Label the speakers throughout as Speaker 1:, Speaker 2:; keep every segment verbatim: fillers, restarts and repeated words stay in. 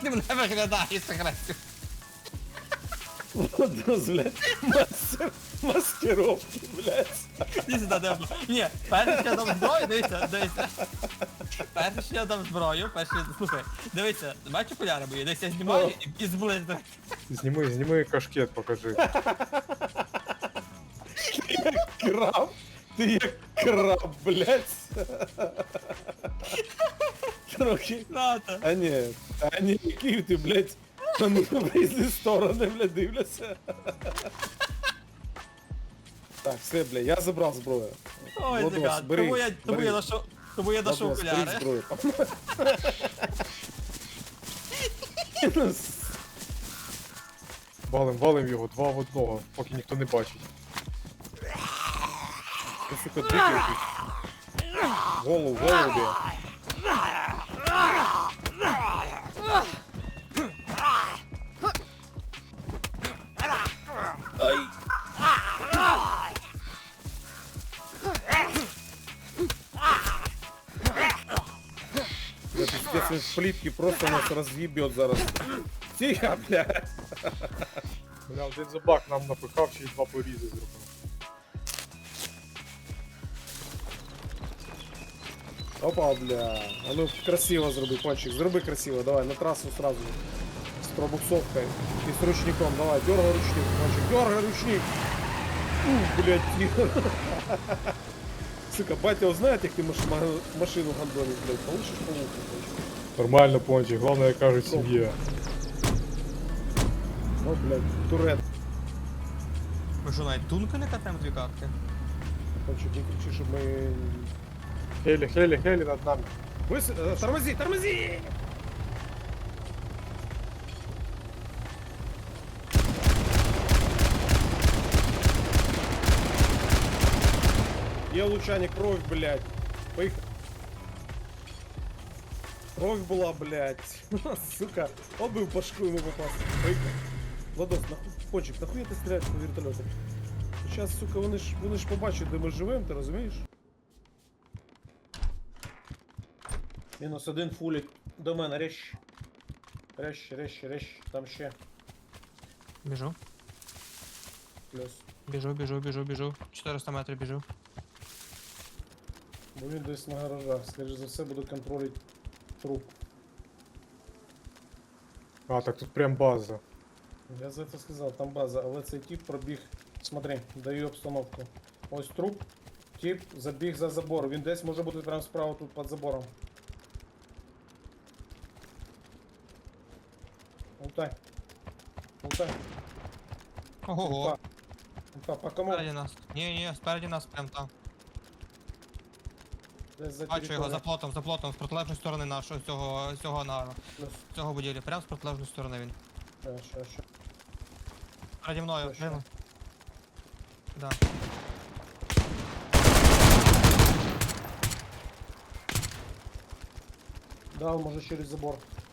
Speaker 1: ти мене виглядаєш, агресію?
Speaker 2: Водос, блядь, мастер, маскировки, блядь.
Speaker 1: Іди сюди, дивно. Ні, перше, що я дам зброю, дивіться, дивіться. Перше, що я дам зброю, перше, слухай, дивіться, бачиш окуляри мої, дивіться, я знімаю і, і зблизно.
Speaker 3: Зніми, зніми кашкет, покажи.
Speaker 2: Краб, ти як краб, блядь. Трохи.
Speaker 1: Ната.
Speaker 2: А ні, а ні, який ти, блядь, на в різні сторони, блядь, дивляться. Так, все, блядь, я забрав зброю.
Speaker 1: Ой,
Speaker 2: Водос,
Speaker 1: загад,
Speaker 2: бери,
Speaker 1: тому я, тому
Speaker 2: бери.
Speaker 1: я ношу, тому я ношу
Speaker 2: Водос, бери
Speaker 1: окуляри.
Speaker 2: зброю.
Speaker 3: Валим, валим його, два в одного, поки ніхто не бачить.
Speaker 2: Ти, сука, дикий якийсь. Голову, голубі. Я пиздец, он в плитке просто нас разъебет зараз. Тихо, блядь.
Speaker 3: Бля, один зубак нам напихав, ще й два порізи зробив.
Speaker 2: Опа, бля. А ну красиво зроби, кончик. Зроби красиво, давай, на трассу сразу. С пробуксовкой и с ручником. Давай, дергай ручник, кончик. Дергай ручник. Ух, блядь, тихо. Сука, батя узнает, как ты маш ма- машину гандонишь, блядь. Получишь по уху, кончик.
Speaker 3: Нормально, пончик, головне, як кажуть, сім'я.
Speaker 2: Ну, блядь, турет.
Speaker 1: Ми що, навіть тунка не катаємо дві катки?
Speaker 2: Кончик, не кричи, чтобы мы...
Speaker 3: Хелі, хелі, хелі над нами.
Speaker 2: Выс... э, Тормози, тормози! Є лучаник, кровь, блядь. Поехали. Кровь была, блядь. Сука. Он бы в башку ему попасться. Поехали. Владос, нахуй, Пончик, нахуя ти стріляєш по вертольоту? Сейчас, сука, вони ж, вони ж побачать, де ми живем, ти розумієш? Мінус один фулік. До мене, рещ. Рещ, рещ, рещ. Там ще.
Speaker 1: Біжу.
Speaker 2: Плюс.
Speaker 1: Біжу, біжу, біжу, біжу. чотириста метрів біжу.
Speaker 2: Бо він десь на гаражах. Скоріше за все буду контролити труп.
Speaker 3: А, так тут прям база.
Speaker 2: Я за це сказав, там база, але цей тип пробіг. Смотри, даю обстановку. Ось труп. Тип забіг за забор. Він десь може бути прямо справа тут під забором. Лутай. Лутай.
Speaker 1: Ого-го.
Speaker 2: Лута. Лута, по кому?
Speaker 1: Спереді нас. Ні, ні, спереді нас прям там.
Speaker 2: Десь за
Speaker 1: Бачу його за
Speaker 2: територією.
Speaker 1: плотом, за плотом, з протилежної сторони нашого, цього, цього ангару.
Speaker 2: Плюс.
Speaker 1: Цього будівлі, прямо з протилежної сторони він.
Speaker 2: Ща, ща, ща.
Speaker 1: Переді мною,
Speaker 2: Точно.
Speaker 1: прямо. Да.
Speaker 2: Да, може через забор.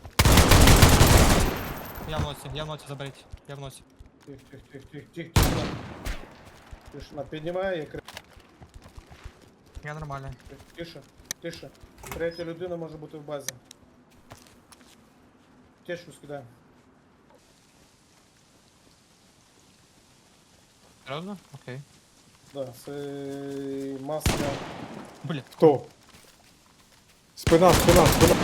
Speaker 1: Я в носі, я в носі, заберіть. Я в носі.
Speaker 2: Тих, тих, тих, тих, тих, тишина. Тишина, піднімає, я кри...
Speaker 1: Я нормально.
Speaker 2: Тише, тише. Третя людина може бути в базі. Течку скидаю.
Speaker 1: Серйозно? Окей.
Speaker 2: Да, це маска.
Speaker 1: Бля.
Speaker 3: Хто? Спина, спина, спина.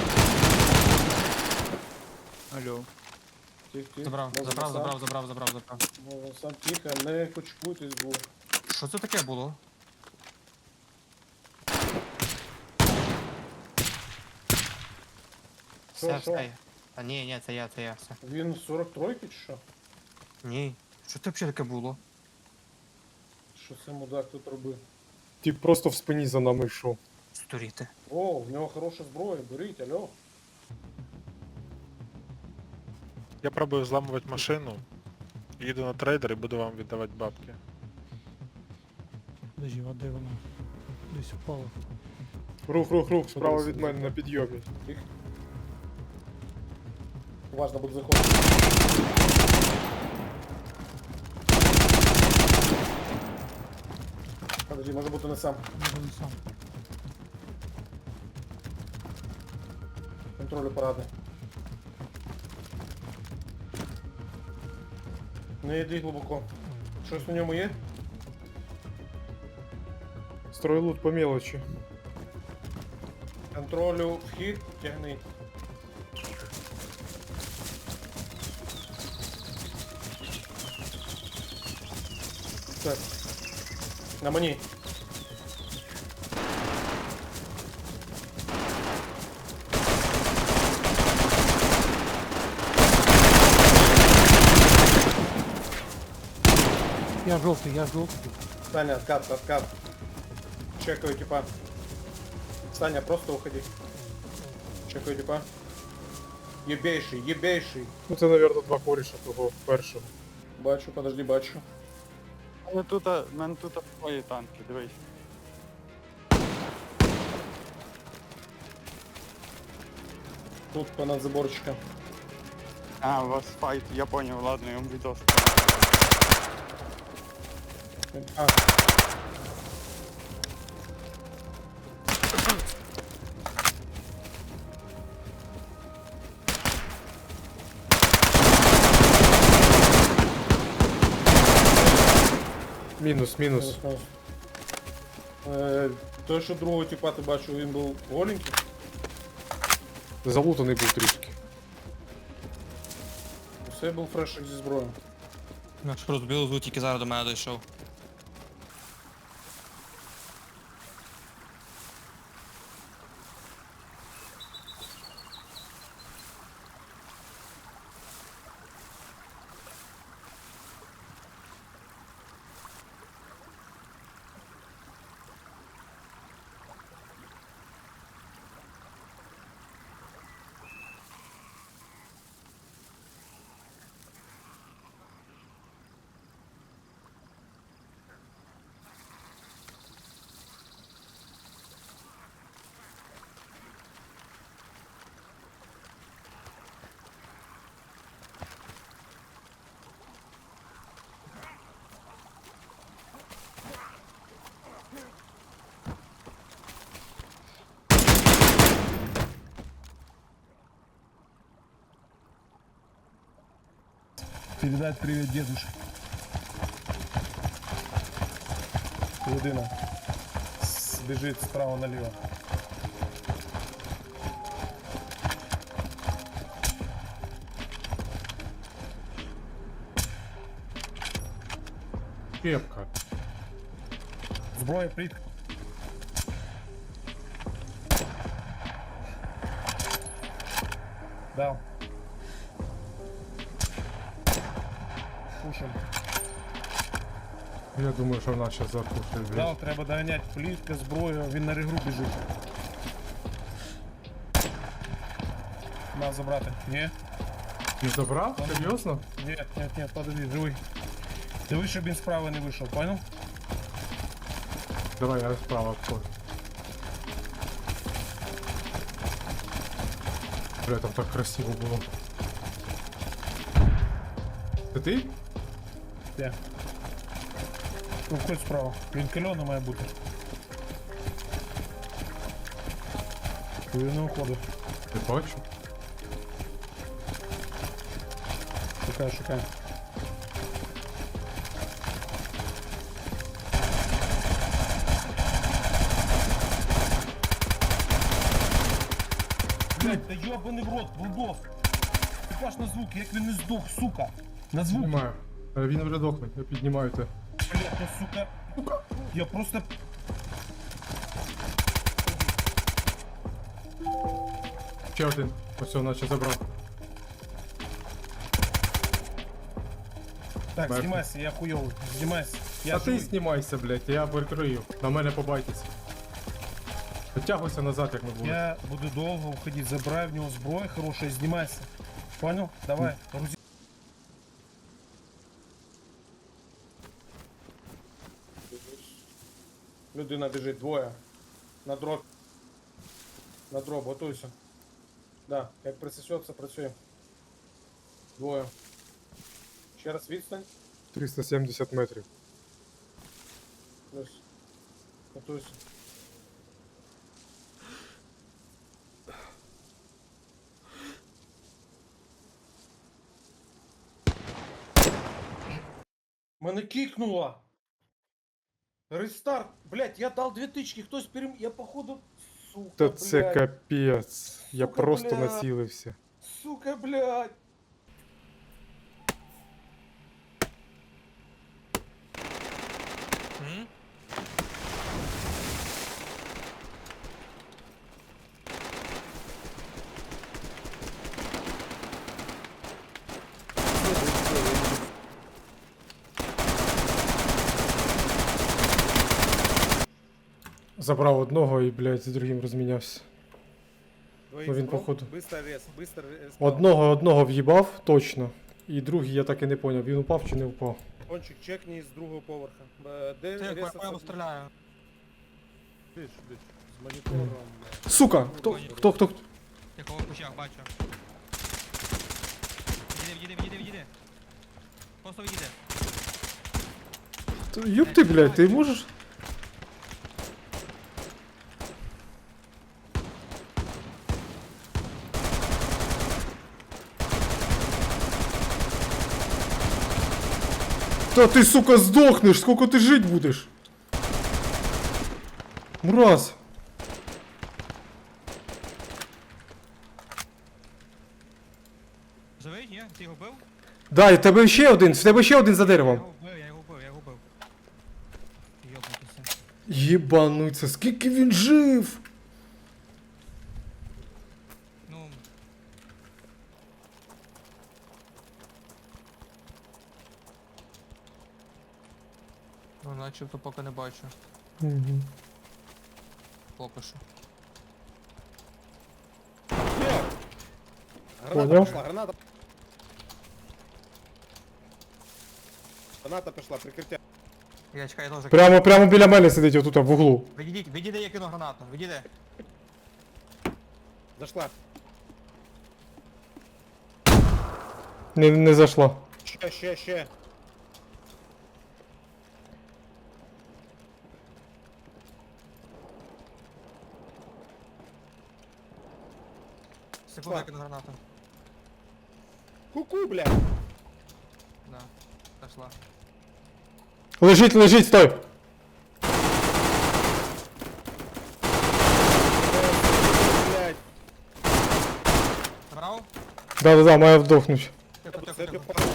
Speaker 4: Алло.
Speaker 2: Тих, тих.
Speaker 1: Забрав,
Speaker 2: Може,
Speaker 1: забрав,
Speaker 2: сам.
Speaker 1: забрав, забрав, забрав, забрав.
Speaker 2: Може, сам тихо, не кучкуйтесь двох.
Speaker 1: Що це таке було?
Speaker 2: Що,
Speaker 1: Все,
Speaker 2: що?
Speaker 1: все. я. А ні, ні, це я, це я, все.
Speaker 2: Він сорок три чи що?
Speaker 1: Ні. Що це взагалі таке було?
Speaker 2: Що це мудак тут робив?
Speaker 3: Тип просто в спині за нами йшов.
Speaker 1: Сторіти.
Speaker 2: О, в нього хороша зброя, беріть, алло.
Speaker 4: Я пробую взламувати машину. Їду на трейдер і буду вам віддавати бабки.
Speaker 5: Подожди, а де вона? Десь упала.
Speaker 3: Рух, рух, рух, справа від мене на підйомі.
Speaker 2: Важно буде заходити. Подожди, може бути не сам.
Speaker 5: Може не сам.
Speaker 2: Контролю парадний. Не йди глибоко. Щось на ньому є?
Speaker 3: Стройлут по мелочі.
Speaker 2: Контролю вхід, тягни. Так. На мені.
Speaker 5: Я жовтий, я жовтий.
Speaker 2: Саня, откат, откат. Чекаю, типа. Саня, просто уходи. Чекаю, типа. Єбейший, єбейший.
Speaker 3: Ну це, мабуть, два коріша того першого.
Speaker 2: Бачу, подожди, бачу.
Speaker 6: Але тут, в мене тут твої танки, дивись.
Speaker 2: Тут понад заборчика.
Speaker 6: А, у вас файт, я понял, ладно, я вам відос.
Speaker 2: А.
Speaker 3: Мінус, мінус.
Speaker 2: Е, той, що другого типа ти бачив, він був голенький.
Speaker 3: Залутаний був трішки.
Speaker 2: Це був фрешик зі зброєю.
Speaker 1: Ну, що розбив звук, тільки зараз до мене дійшов.
Speaker 2: Передать привет дедушке. Людина с- бежит справа налево.
Speaker 3: Кепка.
Speaker 2: Зброя прит. Дал. Пушим.
Speaker 3: Я думаю, що в нас зараз закушає.
Speaker 2: Дал, треба доганяти плітка, зброю, він на регру біжить. Нас забрати. Ні?
Speaker 3: Не забрав? Серйозно?
Speaker 2: Нет, нет, нет, подожди, живий. Диви, щоб він справа не вийшов, понял?
Speaker 3: Давай, я справа обходжу. Бля, там так красиво було. Це ти?
Speaker 2: Де? Ну, входь справа. Він кальона має бути. Він не уходить.
Speaker 3: Не бачу.
Speaker 2: Шукай, шукай. Блять, та йобаний в рот, Булдов! Ти баш на звук, як він не здох, сука! На звук!
Speaker 3: Піднімаю. Е, Він вже дохне, я піднімаю те.
Speaker 2: Блять, та сука! Я просто...
Speaker 3: Ще один. Ось он наче забрав.
Speaker 2: Так,
Speaker 3: Мертвий.
Speaker 2: знімайся, я хуйовий. Знімайся. Я
Speaker 3: А ти
Speaker 2: живий.
Speaker 3: знімайся, блядь, я прикрию. На мене побайтеся. Підтягуйся назад, як ми були.
Speaker 2: Я буду долго уходить. Забирай в него зброю хорошая, снимайся. Понял? Давай, грузи. Людина біжить, двоє. На дроб. На дроб, готуйся. Да, як присосется, працює. Двоє. Ще раз відстань.
Speaker 3: триста сімдесят метрів.
Speaker 2: Плюс. Готуйся. Мене кикнуло. Рестарт. Блять, я дал две тычки, хтось перем... Я походу... Сука,
Speaker 3: Та це
Speaker 2: блядь.
Speaker 3: капець. Я
Speaker 2: Сука,
Speaker 3: просто
Speaker 2: бля.
Speaker 3: націлився.
Speaker 2: Сука, блядь.
Speaker 1: М?
Speaker 3: Забрав одного і, блядь, з другим розмінявся. Ну, він, походу.
Speaker 2: Быстро рез, быстро рез.
Speaker 3: Одного одного в'їбав, точно. І другий я так і не поняв, він упав чи не впав.
Speaker 2: Кончик, чекни з другого поверха. Е, Де
Speaker 1: Ти
Speaker 2: рез?
Speaker 1: по по йому стріляю.
Speaker 2: Бич, бич. З монітором. блядь.
Speaker 3: Сука! Хто? Хто? Хто?
Speaker 1: Я кого в кущах бачу. Відійди, відійди, відійди, відійди. Просто відійди.
Speaker 3: Юб ти, блядь, ти можеш? Та ти, сука, здохнеш, сколько ти жить будеш? Мразь.
Speaker 1: Живий, ні? Ти його бив?
Speaker 3: Да, і в тебе ще один, в тебе ще один за
Speaker 1: Я
Speaker 3: деревом.
Speaker 1: його вбив, я його вбив, я його вбив. Йобнутися.
Speaker 3: Єбануться, скільки він жив?
Speaker 1: Ну... Ну, начебто поки не бачу.
Speaker 3: Угу.
Speaker 1: Поки що.
Speaker 2: Є! Граната
Speaker 3: Понял.
Speaker 2: пішла, граната. Граната пішла, прикриття.
Speaker 1: Я чекаю, я теж.
Speaker 3: Прямо, прямо біля мене сидить отут, в углу.
Speaker 1: Відійдіть, відійди, я кину гранату, відійди.
Speaker 2: Зайшла.
Speaker 3: Не, не зайшла.
Speaker 2: Ще, ще, ще.
Speaker 1: Секунду, я кину гранату.
Speaker 2: Ку-ку, блядь.
Speaker 1: Да, дошла.
Speaker 3: Лежить, лежить, стой!
Speaker 2: Блядь.
Speaker 1: Забрав?
Speaker 3: Да-да-да, має вдохнуть.
Speaker 1: Тихо, тихо,
Speaker 2: Це
Speaker 1: тихо.
Speaker 2: ти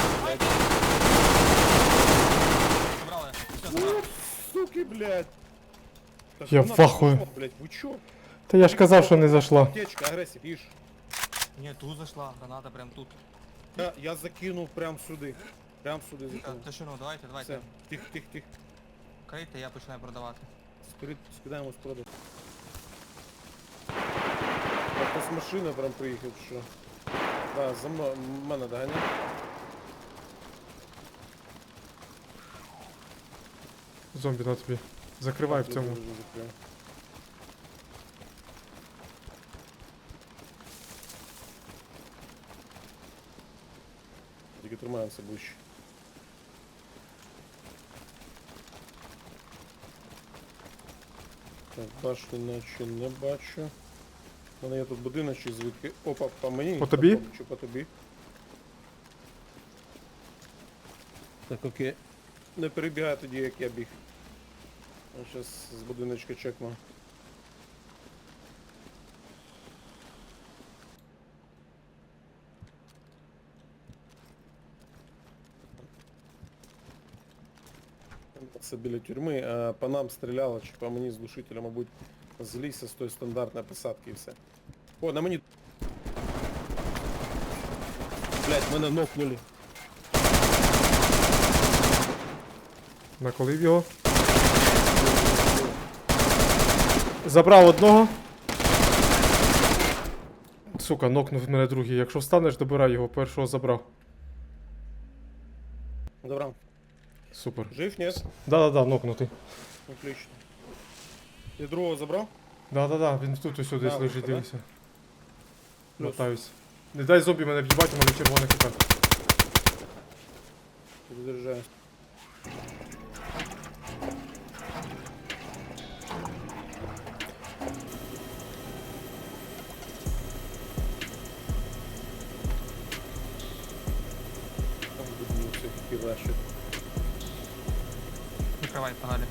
Speaker 1: Забрали. Все, забрали.
Speaker 2: суки, блядь. Та
Speaker 3: Я
Speaker 2: граната
Speaker 3: в ахуї.
Speaker 2: пішла, блядь, ви чо?
Speaker 3: Та я ж казав, що не зайшла.
Speaker 2: Аптечка, агресив, їж.
Speaker 1: Ні, тут зайшла, граната прям тут.
Speaker 2: Я, я закинув прям сюди. Прям сюди
Speaker 1: Та,
Speaker 2: закинув.
Speaker 1: Тишину, давайте, давайте.
Speaker 2: Все, тих, тих, тих.
Speaker 1: Крийте, я починаю продавати.
Speaker 2: Скрит, скидаємо з продажу. Якась машина прям приїхав, чи що. Да, за мною, м- мене доганяє.
Speaker 3: Зомбі на тобі. Закривай в цьому.
Speaker 2: Дуже, дуже закрив. Тільки тримаємося ближче. Так, башню наче не бачу. У мене є тут будиночок, звідки... Опа, по мені?
Speaker 3: По тобі?
Speaker 2: Чи по тобі? Так, окей. Не перебігай тоді, як я біг. Я зараз з будиночка чекну. Це біля тюрми, а по нам стріляло, чи по мені з глушителя, мабуть, з ліса, з тої стандартної посадки і все. О, на мені... Блять, мене нокнули.
Speaker 3: Наколив його. Забрав одного. Сука, нокнув мене другий. Якщо встанеш, добирай його. Першого забрав.
Speaker 2: Добре.
Speaker 3: Супер.
Speaker 2: Жив, ні?
Speaker 3: Да-да-да, нокнутий.
Speaker 2: Отлично. Я другого забрав?
Speaker 3: Да-да-да, він тут ось десь
Speaker 2: Да,
Speaker 3: лежить,
Speaker 2: да?
Speaker 3: дивися.
Speaker 2: Плюс.
Speaker 3: Мотаюсь. Не дай зомбі мене в'їбать, у мене червоний хп.
Speaker 2: Перезаряджаюсь. Там будемо все-таки ваші.
Speaker 1: Закривай, погнали.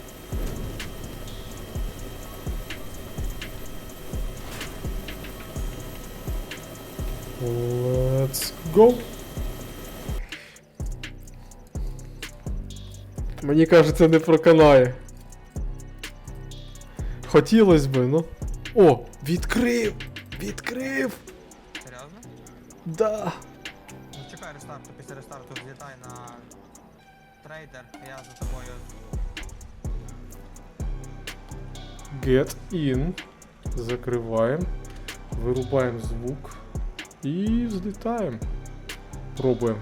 Speaker 2: Let's go. Мені кажеться, не проканає. Хотілось би, ну. О, відкрив! Відкрив!
Speaker 1: Серйозно?
Speaker 2: Да.
Speaker 1: Ну чекай рестарту, після рестарту злітай на трейдер, я за тобою.
Speaker 2: Get in. Закриваємо. Вирубаємо звук. І взлітаємо. Пробуємо.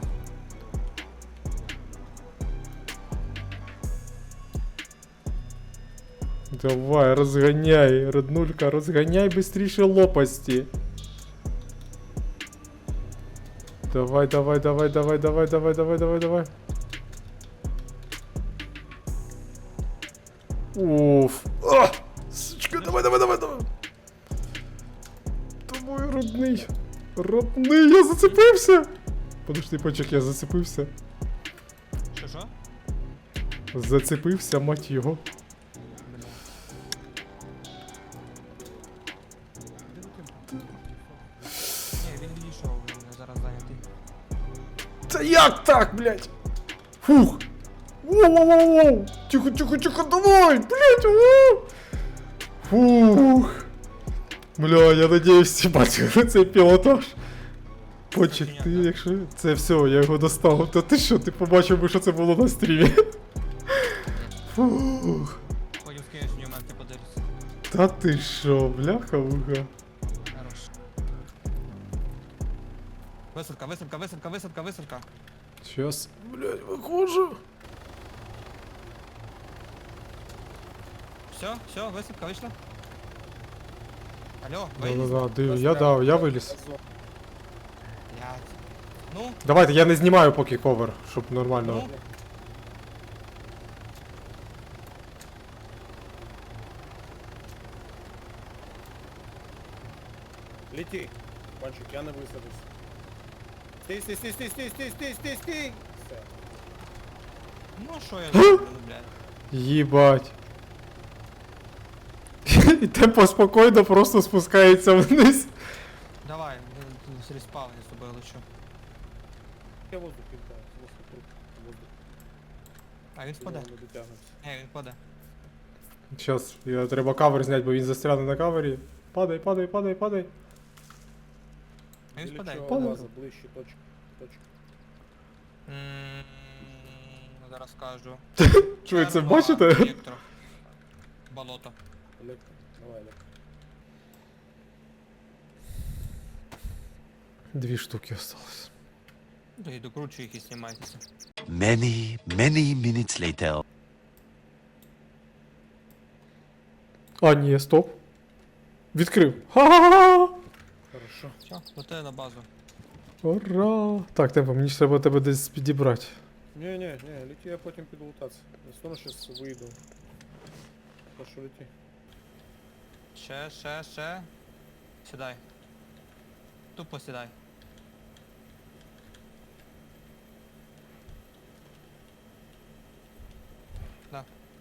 Speaker 2: Давай, розганяй, роднулька, розганяй быстріше лопасті. Давай, давай, давай, давай, давай, давай, давай, давай, давай. Уф. А! Сучка, давай, давай, давай, давай. Давай, родний. Родний, я зацепився. Подожди, почек, я зацепився.
Speaker 1: Що що?
Speaker 2: Зацепився, мать його.
Speaker 1: Ні, він відійшов, він зараз зайнятий.
Speaker 2: Та як так, блядь? Фух. Воу-воу-воу. Тихо, тихо, тихо, давай, блядь, воу. Фух. Бля, я надіюсь, всі бачили цей пілотаж. Почек, ти якщо... Це все, я його достав. Та ти що, ти побачив би, що це було на стрімі? Фух.
Speaker 1: Потім скинеш мені в мене, ти подивишся.
Speaker 2: Та ти що, бляха-муха.
Speaker 1: Хорош. Висадка, висадка, висадка, висадка, висадка.
Speaker 2: Щас, блядь, виходжу.
Speaker 1: Все, все, висадка вийшла. Алло, виліз?
Speaker 2: Да-да-да, див, я дав, я виліз.
Speaker 1: Блядь. Ну,
Speaker 2: Давайте, я не знімаю поки ковер, щоб нормально.
Speaker 1: ну.
Speaker 2: Лети, Панчик, я не висадився. Стій, стій, стій, стій, стій, стій, стій, стій, стій. Все.
Speaker 1: Ну, що я зроблю, блядь.
Speaker 2: Їбать. І темпо спокійно просто спускається вниз.
Speaker 1: Давай, з респавні з тобою лечу.
Speaker 2: Я воздух кидаю, воздух, воздух.
Speaker 1: А він впаде. Ні, він впаде.
Speaker 2: Щас, я треба кавер зняти, бо він застряне на кавері. Падай, падай, падай, падай.
Speaker 1: Він впаде.
Speaker 2: Падай.
Speaker 7: Ближче, точка, точка.
Speaker 1: Ммм, зараз скажу.
Speaker 2: Що ви це
Speaker 1: Черва,
Speaker 2: бачите?
Speaker 1: електро. Болото.
Speaker 7: Олег, давай, Олег.
Speaker 2: Дві штуки осталось.
Speaker 1: Да і докручу їх і знімайтеся.
Speaker 8: Many, many minutes later.
Speaker 2: А, ні, стоп. Відкрив. Ха-ха-ха!
Speaker 7: Хорошо.
Speaker 1: Все, лети на базу.
Speaker 2: Ура! Так, темпо, мені ж треба тебе десь підібрати.
Speaker 7: Не, не, не, лети, я потім піду лутатися. Я все одно зараз вийду. Так що лети.
Speaker 1: Ще, ще, ще. Сідай. Тупо сідай. Да.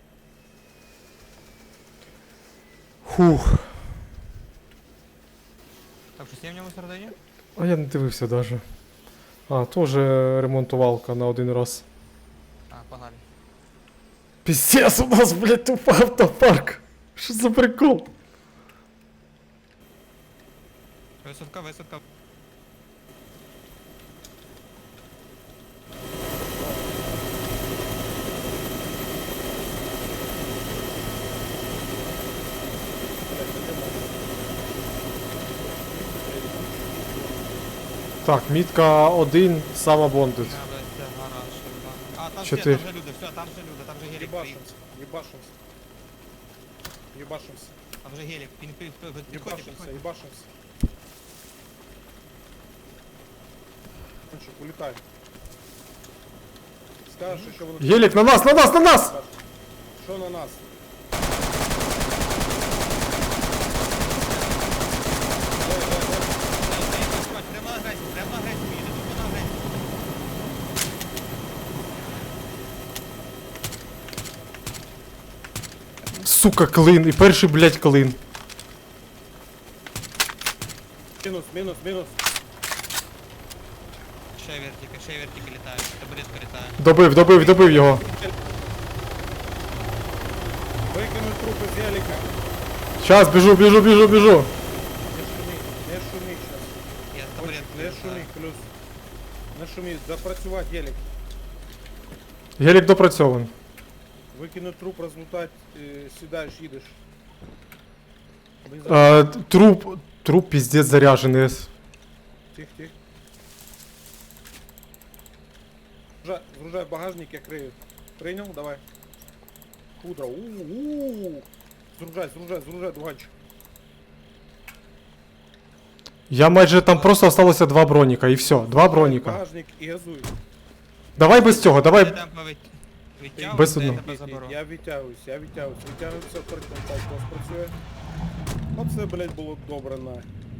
Speaker 2: Фух.
Speaker 1: Так, що є в ньому всередині?
Speaker 2: А я не дивився даже. А, теж ремонтувалка на один раз.
Speaker 1: А, погнали.
Speaker 2: Пиздец, у нас, блядь, тупо автопарк. Що за прикол?
Speaker 1: Висадка, висадка.
Speaker 2: Так, мітка один, сама бондит.
Speaker 1: Я, блядь, це гараж. ебаний. А, там
Speaker 2: Чотири.
Speaker 1: ще, там же люди, все, там же люди, там же гелік приїхав.
Speaker 7: Єбашимся, єбашимся. Єбашимся,
Speaker 1: Там же гелік, він пи- пи- підходь,
Speaker 7: єбашимся,
Speaker 1: підходь.
Speaker 7: єбашимся. Кончик, улетай. Скажеш, що воно...
Speaker 2: Гелік, на нас, на нас, на нас!
Speaker 7: Що на нас?
Speaker 1: Прямо на агресію, прямо на агресію їде, тупо на агресію.
Speaker 3: Сука, клин. І перший, блядь, клин.
Speaker 7: Мінус, мінус, мінус.
Speaker 1: Ще вертики, ще вертики літають, табуретка літає.
Speaker 3: Добив, добив, добив його.
Speaker 7: Викинуть трупи з яліка.
Speaker 3: Щас, біжу, біжу, біжу, біжу.
Speaker 7: Не шуміть, не шуміть щас.
Speaker 1: Я
Speaker 7: Ось,
Speaker 1: табуретку
Speaker 7: не
Speaker 1: літаю.
Speaker 7: шуміть, плюс. Не шуміть, запрацювати ялік.
Speaker 3: Гелік допрацьований.
Speaker 7: Викинуть труп, розлутати, е, сідаєш, їдеш. Бензин.
Speaker 3: А, труп, труп пиздец заряженный.
Speaker 7: Тих, тих. Згружай, згружай багажник, я крию. Прийняв? Давай. Худра. У-у-у. Згружай, згружай, згружай, дуганчик.
Speaker 3: Я майже там просто осталося два броніка і все, два броніка.
Speaker 7: Багажник і газуй.
Speaker 3: Давай без цього,
Speaker 1: Я
Speaker 3: давай.
Speaker 1: темпо від- відтягую,
Speaker 3: Без
Speaker 1: де я
Speaker 3: одного.
Speaker 1: тебе заберу.
Speaker 7: Я відтягуюсь, я відтягуюсь. Відтягуюся, точно так у вас працює. Оце, блядь, було добре, на.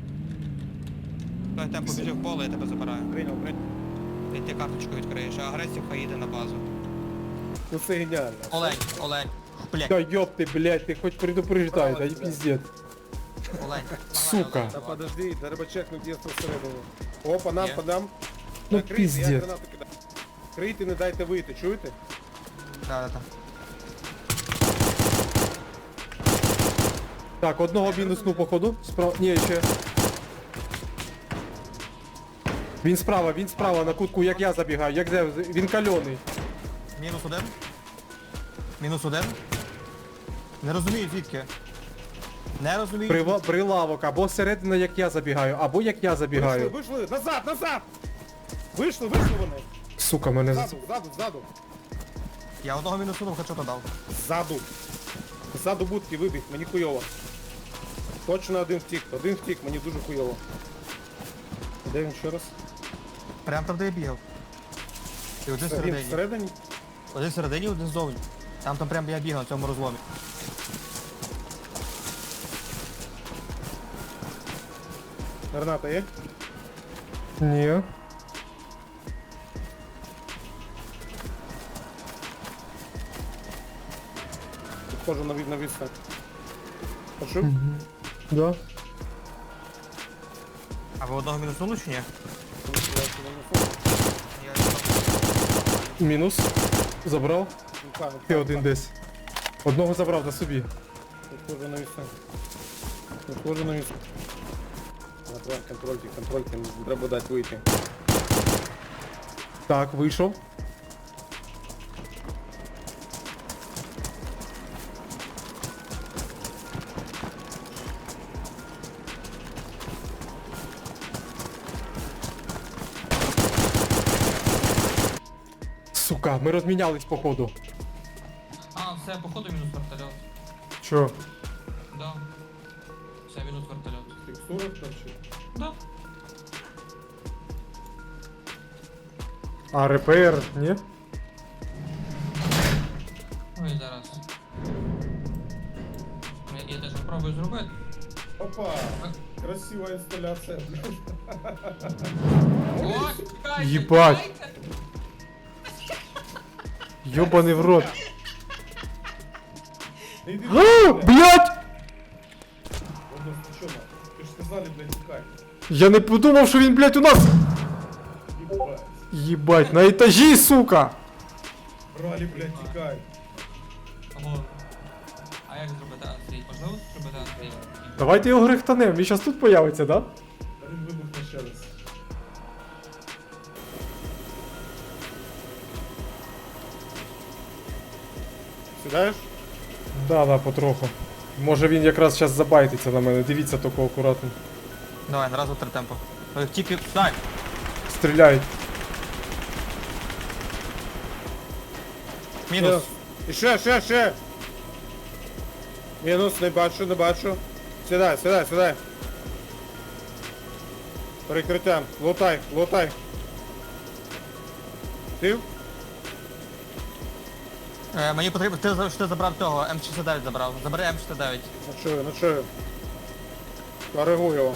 Speaker 1: Давай темпо біжи в поле, я тебе забираю.
Speaker 7: Прийняв, прийняв.
Speaker 1: І ти карточку відкриєш, а агресів хай їде на базу.
Speaker 7: Ну це геніально.
Speaker 1: Олень, Олень, блядь,
Speaker 3: Да ёб ты, блядь, ты хоть предупреждай, да и пиздец.
Speaker 1: Олень.
Speaker 3: Сука.
Speaker 7: Та подожди, треба чекнути, є всередину. О, по нам,
Speaker 1: Є.
Speaker 7: по нам.
Speaker 3: Ну,
Speaker 7: Так, крийте, я
Speaker 3: пиздец.
Speaker 7: гранату кидаю. Крийте, не дайте вийти, чуєте?
Speaker 1: Да, да, да.
Speaker 3: Так, одного мінуснув походу. Справа. Ні, ще. Він справа, він справа на кутку, як я забігаю, як я, він кальоний.
Speaker 1: Мінус один. Мінус один. Не розумію звідки. Не розумію.
Speaker 3: Прива, прилавок, або середина, як я забігаю, або як я
Speaker 7: Вийшли,
Speaker 3: забігаю.
Speaker 7: вийшли, назад, назад! Вийшли, вийшли вони.
Speaker 3: Сука, мене з-
Speaker 7: Ззаду, ззаду, ззаду.
Speaker 1: Я одного мінусу хочу дав.
Speaker 7: Ззаду. Ззаду будки вибіг, мені хуйово. Точно один втік, один втік, мені дуже хуйово. Де він ще раз?
Speaker 1: Прям там, де я бігав. І один
Speaker 7: Він
Speaker 1: всередині.
Speaker 7: всередині?
Speaker 1: Один всередині, один ззовні. Там там прям я бігав на цьому розломі.
Speaker 7: Граната є?
Speaker 3: Ні.
Speaker 7: Підходжу на, від- на відстань. Почув?
Speaker 3: Да.
Speaker 1: А ви одного мінусунули чи ні? Я
Speaker 3: Мінус. Забрав.
Speaker 7: Ну,
Speaker 3: Ще один десь. Одного забрав на собі.
Speaker 7: Підходжу на відстань. Підходжу на відстань. Давай, контрольте, контрольте, треба дати вийти.
Speaker 3: Так, вийшов. Сука, ми розмінялись походу.
Speaker 1: А, все, походу мінус вертольот.
Speaker 3: Чо?
Speaker 1: Да. Все, мінус вертольот.
Speaker 7: Текстура точно.
Speaker 1: Да.
Speaker 3: А РПР, ні?
Speaker 1: Ой, зараз. Я, я теж спробую зробити.
Speaker 7: Опа! Красива інсталяція.
Speaker 1: О, чекайте,
Speaker 3: Єбать.
Speaker 1: чекайте.
Speaker 3: Ёбаний в рот.
Speaker 7: Іди,
Speaker 3: А, блядь!
Speaker 7: що на? Ти ж сказали, блядь, тікай.
Speaker 3: Я не подумав, що він, блядь, у нас.
Speaker 7: Єбать.
Speaker 3: Єбать, на етажі, сука!
Speaker 7: Бралі, блядь, тікай.
Speaker 1: Алло. А як зробити Андрій? Можливо зробити Андрій?
Speaker 3: Давайте його грехтанем, він щас тут появиться, да?
Speaker 7: Та він вибухне ще раз. Сідаєш?
Speaker 3: Да, да, потроху. Може він якраз зараз забайтиться на мене, дивіться тільки акуратно.
Speaker 1: Давай, на раз, два, три темпо. Ой, Тільки, так.
Speaker 3: Стріляють.
Speaker 1: Мінус.
Speaker 7: І ще, ще, ще. Мінус, не бачу, не бачу. Сідай, сідай, сідай. Перекриття. Лутай, лутай. Ти?
Speaker 1: Е, мені потрібно, ти, за- ти забрав того, М шістдесят дев'ять забрав. Забери М шістдесят дев'ять.
Speaker 7: Ну чую, ну чую. Коригуй його.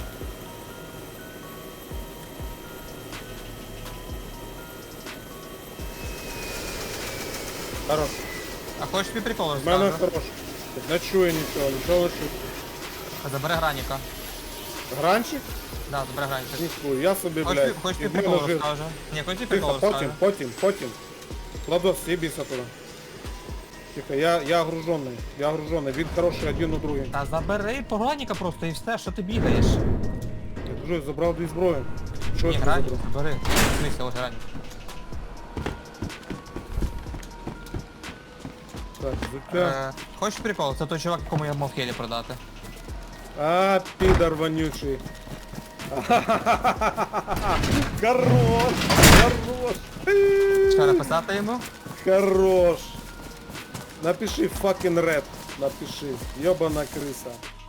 Speaker 7: Хорош.
Speaker 1: А хочеш мій прикол
Speaker 7: В мене
Speaker 1: розкажу?
Speaker 7: хорош.
Speaker 2: Не чує нічого, нічого не чую.
Speaker 1: Забери граніка.
Speaker 2: Гранчик?
Speaker 1: Да, забери граніка.
Speaker 2: Ніхуя, я собі,
Speaker 1: Хоч,
Speaker 2: блядь.
Speaker 1: хоч
Speaker 2: І
Speaker 1: ти
Speaker 2: в мене
Speaker 1: прикол
Speaker 2: жир.
Speaker 1: розкаже. Ні, хоч ти прикол
Speaker 2: Тихо, потім,
Speaker 1: розкаже.
Speaker 2: потім, потім. Владос, съебися туди. Тихо, я, я огружений, я огружений. Він хороший один у другий.
Speaker 1: Та забери граніка просто і все, що ти бігаєш.
Speaker 2: Я кажу, забрав дві зброї. Що
Speaker 1: Ні,
Speaker 2: я тобі
Speaker 1: гранік,
Speaker 2: забрав?
Speaker 1: забери. Дивися, ось гранік.
Speaker 2: Так, взуття.
Speaker 1: Е, Хочеш прикол? Це той чувак, якому я мав хелі продати.
Speaker 2: А, підар вонючий. Хорош, хорош.
Speaker 1: Що написати йому?
Speaker 2: Хорош. Напиши fucking red. Напиши. Ёбана крыса.